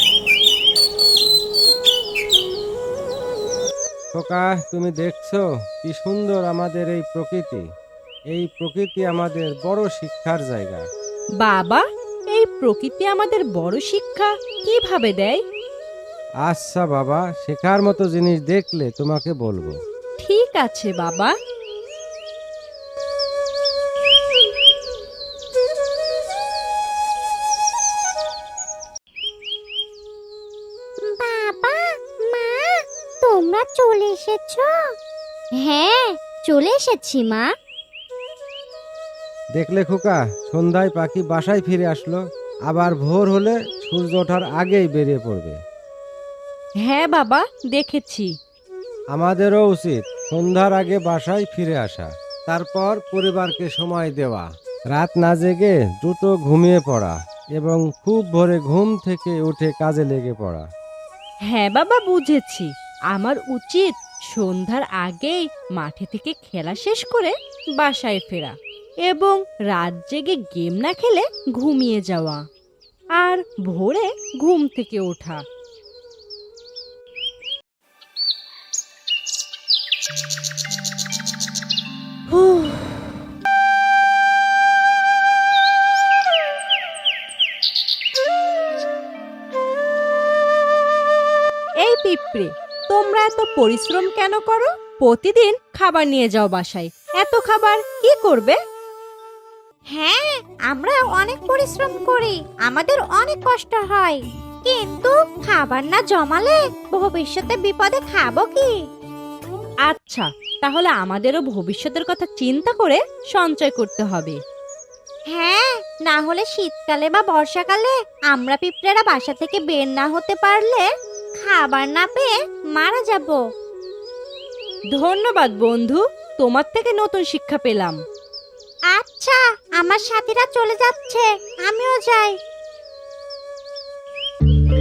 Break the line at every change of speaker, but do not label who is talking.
খোকা, তুমি দেখছো কি সুন্দর আমাদের এই প্রকৃতি। এই প্রকৃতি আমাদের বড় শিক্ষার জায়গা।
বাবা, এই প্রকৃতি আমাদের বড় শিক্ষা কিভাবে দেয়?
আচ্ছা বাবা, শেখার মতো জিনিস দেখলে তোমাকে বলবো।
ঠিক আছে বাবা।
বাবা, মা, তোমরা চলে এসেছো? হ্যাঁ, চলে এসেছি মা।
দেখলে খোকা, সন্ধ্যায় পাখি বাসায় ফিরে আসলো। আবার ভোর হলে সূর্য ওঠার আগেই বেরিয়ে পড়বে।
হ্যাঁ বাবা, দেখেছি।
আমাদেরও উচিত সন্ধ্যার আগে বাসায় ফিরে আসা, তারপর পরিবারকে সময় দেওয়া, রাত না জেগে দ্রুত ঘুমিয়ে পড়া এবং খুব ভোরে ঘুম থেকে উঠে কাজে লেগে পড়া।
হ্যাঁ বাবা, বুঝেছি। আমার উচিত সন্ধ্যার আগেই মাঠে থেকে খেলা শেষ করে বাসায় ফেরা এবং রাত জেগে গেম না খেলে ঘুমিয়ে যাওয়া আর ভোরে ঘুম থেকে ওঠা। হুঁ। এই পিঁপড়ে, তোমরা এত পরিশ্রম কেন করো? প্রতিদিন খাবার নিয়ে যাও বাসায়। এত খাবার কি করবে?
হ্যাঁ, আমরা অনেক পরিশ্রম করি, আমাদের অনেক কষ্ট হয়, কিন্তু খাবার না জমালে ভবিষ্যতে বিপদে খাবো কি?
আচ্ছা, তাহলে আমাদেরও ভবিষ্যতের কথা চিন্তা করে সঞ্চয় করতে হবে।
হ্যাঁ, না হলে শীতকালে বা বর্ষাকালে আমরা পিঁপড়েরা বাসা থেকে বের না হতে পারলে খাবার না পেয়ে মারা যাব।
ধন্যবাদ বন্ধু, তোমার থেকে নতুন শিক্ষা পেলাম।
আচ্ছা, আমার সাথীরা চলে যাচ্ছে, আমিও যাই।